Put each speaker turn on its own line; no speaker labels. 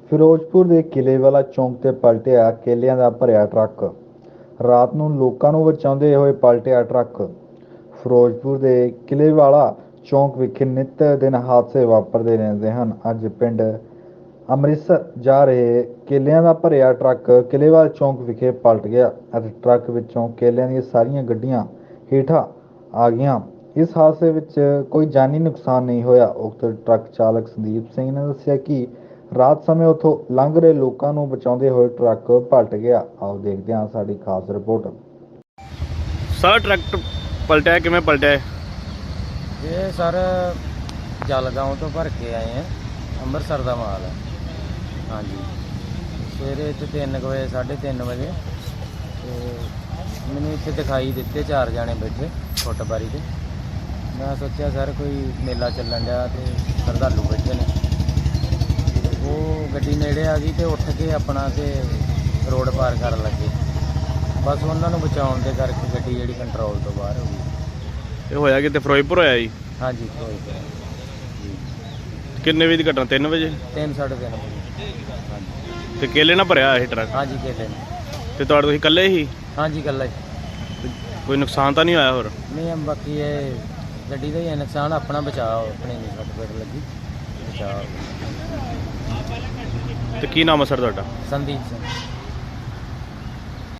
ਫਿਰੋਜ਼ਪੁਰ ਦੇ ਕਿਲ੍ਹੇਵਾਲਾ ਚੌਂਕ ਤੇ ਪਲਟਿਆ ਕੇਲਿਆਂ ਦਾ ਭਰਿਆ ਟਰੱਕ। ਰਾਤ ਨੂੰ ਲੋਕਾਂ ਨੂੰ ਬਚਾਉਂਦੇ ਹੋਏ ਪਲਟਿਆ ਟਰੱਕ। ਫਿਰੋਜ਼ਪੁਰ ਦੇ ਕਿਲ੍ਹੇਵਾਲਾ ਚੌਂਕ ਵਿਖੇ ਨਿੱਤ ਦਿਨ ਹਾਦਸੇ ਵਾਪਰਦੇ ਰਹਿੰਦੇ ਹਨ। ਅੱਜ ਪਿੰਡ ਅੰਮ੍ਰਿਤਸਰ ਜਾ ਰਹੇ ਕੇਲਿਆਂ ਦਾ ਭਰਿਆ ਟਰੱਕ ਕਿਲ੍ਹੇਵਾਲਾ ਚੌਂਕ ਵਿਖੇ ਪਲਟ ਗਿਆ ਅਤੇ ਟਰੱਕ ਵਿੱਚੋਂ ਕੇਲਿਆਂ ਦੀਆਂ ਸਾਰੀਆਂ ਗੱਡੀਆਂ ਹੇਠਾਂ ਆ ਗਈਆਂ। ਇਸ ਹਾਦਸੇ ਵਿੱਚ ਕੋਈ ਜਾਨੀ ਨੁਕਸਾਨ ਨਹੀਂ ਹੋਇਆ। ਉਕਤ ਟਰੱਕ ਚਾਲਕ ਸੰਦੀਪ ਸਿੰਘ ਨੇ ਦੱਸਿਆ ਕਿ ਰਾਤ ਸਮੇਂ ਉੱਥੋਂ ਲੰਘ ਰਹੇ ਲੋਕਾਂ ਨੂੰ ਬਚਾਉਂਦੇ ਹੋਏ ਟਰੱਕ ਪਲਟ ਗਿਆ। ਆਓ ਦੇਖਦੇ ਹਾਂ ਸਾਡੀ ਖਾਸ ਰਿਪੋਰਟ।
ਸਰ ਟਰੱਕ ਪਲਟਿਆ ਕਿਵੇਂ ਪਲਟਿਆ?
ਇਹ ਸਰ ਜਲਗਾਓਂ ਤੋਂ ਭਰ ਕੇ ਆਏ ਆ, ਅੰਮ੍ਰਿਤਸਰ ਦਾ ਮਾਲ ਹੈ। ਹਾਂਜੀ, ਸਵੇਰੇ ਇੱਥੇ 3 ਵਜੇ 3:30 ਵਜੇ ਤੇ ਮੈਨੂੰ ਇੱਥੇ ਦਿਖਾਈ ਦਿੱਤੇ 4 ਜਾਣੇ ਬੈਠੇ ਫੁੱਟਬਾਰੀ 'ਤੇ। ਮੈਂ ਸੋਚਿਆ ਸਰ ਕੋਈ ਮੇਲਾ ਚੱਲਣ ਡਿਆ ਤੇ ਸ਼ਰਧਾਲੂ ਬੈਠੇ ਨੇ। ਉਹ ਗੱਡੀ ਨੇੜੇ ਆ ਗਈ ਤੇ ਉੱਠ ਕੇ ਆਪਣਾ ਤੇ ਰੋਡ ਪਾਰ ਕਰਨ ਲੱਗੇ। ਬਸ ਉਹਨਾਂ ਨੂੰ ਬਚਾਉਣ ਦੇ ਕਰਕੇ ਗੱਡੀ ਜਿਹੜੀ ਕੰਟਰੋਲ ਤੋਂ ਬਾਹਰ ਹੋ ਗਈ।
ਇਹ ਹੋਇਆ ਕਿਤੇ ਫਿਰੋਜ਼ਪੁਰ ਹੋਇਆ ਜੀ?
ਹਾਂਜੀ, ਕੋਈ ਜੀ।
ਕਿੰਨੇ ਵਜੇ ਦੀ ਘਟਨਾ? 3 ਵਜੇ?
3 ਸਾਢੇ 3 ਵਜੇ। ਹਾਂਜੀ
ਤੇ ਕੇਲੇ ਨਾਲ ਭਰਿਆ ਇਹ ਟਰੱਕ?
ਹਾਂਜੀ, ਕੇਲੇ ਨੇ।
ਤੇ ਤੁਹਾਡੇ ਤੁਸੀਂ ਇਕੱਲੇ ਹੀ?
ਹਾਂਜੀ, ਇਕੱਲਾ ਹੀ।
ਕੋਈ ਨੁਕਸਾਨ ਤਾਂ ਨਹੀਂ ਹੋਇਆ ਹੋਰ?
ਨਹੀਂ, ਬਾਕੀ ਇਹ ਗੱਡੀ ਦਾ ਹੀ ਹੈ ਨੁਕਸਾਨ। ਆਪਣਾ ਬਚਾਓ, ਆਪਣੀ ਨਹੀਂ ਸੱਟ ਫੇਟ ਲੱਗੀ, ਬਚਾਓ।
ਤੇ ਕੀ ਨਾਮ ਹੈ ਸਰ ਤੁਹਾਡਾ?
ਸੰਦੀਪ ਸਿੰਘ।